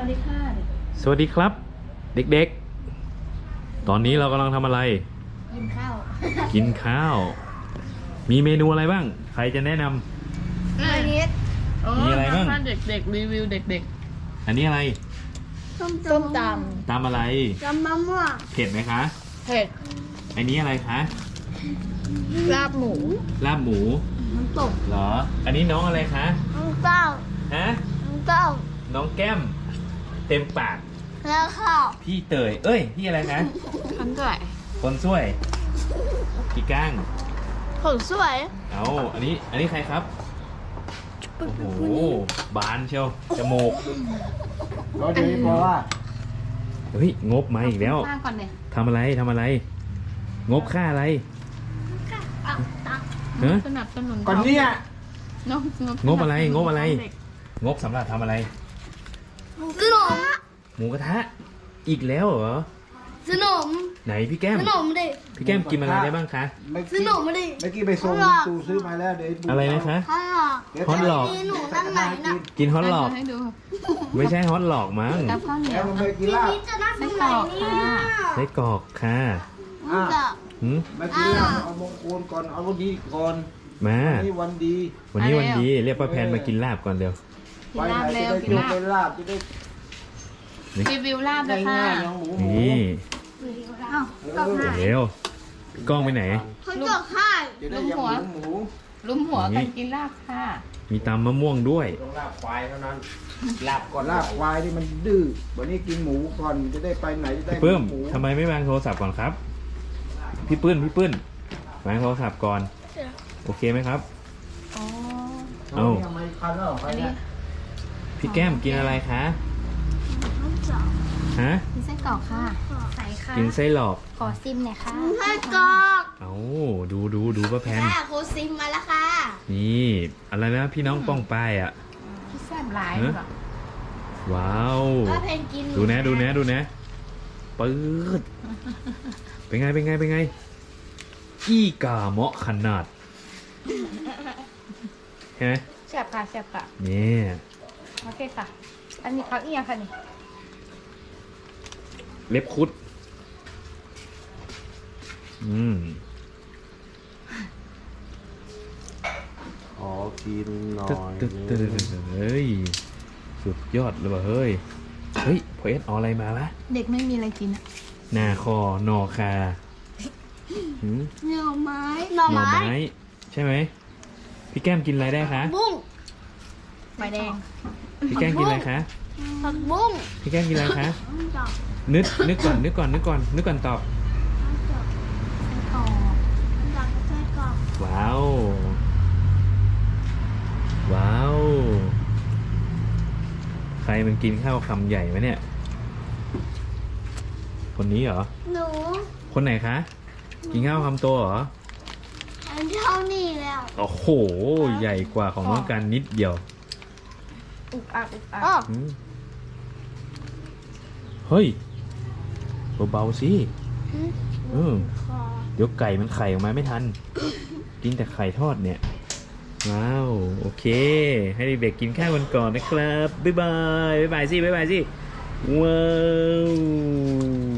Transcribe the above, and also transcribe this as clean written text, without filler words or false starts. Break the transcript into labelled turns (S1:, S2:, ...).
S1: ดีค่ะ
S2: สวัสดีครับ เด็กๆ ตอนนี้เรากำลังทำอะไร
S1: กินข้าว
S2: กินข้าว มีเมนูอะไรบ้าง ใครจะแนะนำ
S1: อันนี้
S2: มีอะไรบ้าง
S3: ถ้าเด็กๆรีวิวเด็ก
S2: อันนี้อะไร
S1: ส้ม
S3: ส้มต
S2: ตำอะไร
S1: ตำมะม่วง
S2: เผ็ดไหมคะ
S3: ำเผ็ด
S2: อันนี้อะไรคะ
S3: ลาบหมู
S2: ลาบหมู
S1: น้ำตก
S2: เหรอ อันนี้น้องอะไรคะ
S1: น้ำเต้า
S2: ฮะ
S1: น้ำเต้า
S2: น้องแก้ม เต็มปาก
S1: แล้วข้าว
S2: พี่เตย เอ้ย พี่อะไรคะ
S3: คันด้วย
S2: คนช่วย พี่ก้าง
S1: คนสวย
S2: เอาอันนี้ใครครับ โอ้โห บานเชียว จมูก
S4: ก็ดีเพราะว่า
S2: เฮ้ย งบมาอีกแล้ว
S3: ข้างก่อนเลย
S2: ทำอะไร งบค่าอะไร
S1: เอาตัก
S2: ฮะ
S3: สนับสนุน
S4: ก่อนเนี้ย
S2: งบอะไร งบอะไร งบสำหรับทำอะไร
S1: ขนม
S2: หมูกระทะ อีกแล้วเหรอ
S1: ขนม
S2: ไหนพี่แก้ม
S1: ขนมดิ
S2: พี่แก้มกินอะไรได้บ้างคะ
S1: ขนมดิ
S4: เมื่อกี้ไปส่งตูซื้อมาแล้วเดี๋ยว
S2: อะไรนะคะ
S1: ข้าว
S2: ฮอตหลอก
S1: มีหนูนั่งไหนน่ะ
S2: กินฮอตหลอก
S3: ให้ดู
S2: ไม่ใช่ฮอตหลอกมั้ง
S3: กับข้าวเหนีย
S4: แล้ว
S3: ว
S4: มันไปกิน
S1: พี่
S4: ลาบ
S1: พีชจะนั่งตรงไหนเนี่ย
S2: ไส้กรอกค่ะ
S1: มันจะ
S2: หืม
S4: มากินลาบเอามงคลก่อนเอาวันดีก่อน
S2: มา
S4: วันนี้วันดี
S2: วันนี้วันดี เรียกป้าแพนมากินลาบก่อนเร็ว
S3: กินลาบเร็ว
S4: จะได้
S3: กินลาบ
S4: เป็นลาบจะได้
S3: รีวิวลาบเลยค่ะ
S4: ง่ายๆน้องหมูหมู
S2: นี่
S1: เอ้าตอกหาย
S2: เร็วกล้องไปไหน
S1: เขาตอกให้
S4: จะได้ยำหมูหมู
S3: ลุมหัวกันกินลาบค่ะ
S2: มีตำมะม่วงด้วย
S4: ต้องลาบควายเท่านั้นลาบก่อนลาบควายนี่มันดื้อวันนี้กินหมูก่อนจะได้ไปไหนจะได้
S2: พี่ปื้ม
S4: หมู
S2: ทำไมไม่วางโทรศัพท์ก่อนครับ พี่ปื้นวางโทรศัพท์ก่อน โอเคไหมครับ
S3: อ๋อ
S2: เอ้า
S4: ทำไมคันแล้วเหรอ
S3: อันนี้
S2: พี่แก้มกินอะไรคะ
S1: เขาจะ
S2: ฮะ
S3: มีไส้กรอกค่ะ
S1: ใส่ค่ะ
S2: กินไส้หลอก
S3: ขอซิมหน่อยค่ะ
S1: ให้กรอก
S2: เอาดูป้าแพน
S1: ค่ะโคซิมมาแล้วค่ะ
S2: นี่ อะไรนะพี่น้องป้องป้ายอ่ะ
S3: พี่แซ่บหลาย
S2: เอ๊ะ
S3: เหรอ
S2: ว้าว
S1: ว่าเพนกิน
S2: ดูนะปื๊ดเป็นไง อีกาเหมาะขนาดเห็นไหม
S3: แซ่บค่ะแซ่บค่ะ
S2: เนี่ย
S3: โอเคค่ะ อันนี้เขาเอียงค่ะนี่
S2: เล็บคุด
S4: ขอกินหน่อย
S2: เฮ้ย สุดยอดเลยว่ะเฮ้ยพอเอสเอาอะไรมาละ
S3: เด็กไม่มีอะไรกินอ่ะ
S2: หน้าคอหนอคาหืม
S1: หน่อไม้
S2: หน่อไม้ใช่ไหมพี่แก้มกินอะไรได้คะ
S1: บุ้ง
S3: ใบแดง
S2: พี่แก้มกินอะไรคะ
S1: ผักบุ้ง
S2: พี่แก้มกินอะไรคะ
S1: ดอก
S2: นึกก่อนตอบ
S3: ไส้กรอก
S1: ดอกไส้กรอก
S2: ว้าว ใครมันกินข้าวคำใหญ่ไหมเนี่ย คนนี้เหรอ
S1: หนู
S2: คนไหนคะ กินข้าวคำโตเหรอ
S1: อันเท่านี้แล้ว
S2: โอ้โห ใหญ่กว่าของน้องกันนิดเดียว
S3: อุกอัก
S1: อ๋อ
S2: อืมเฮ้ย เบาๆสิเดี๋ยวไก่มันไข่ออกมาไม่ทัน กินแต่ไข่ทอดเนี่ย ว้าว โอเค ให้เด็กๆกินข้าวกันก่อนนะครับ บ๊ายบายสิ ว้าว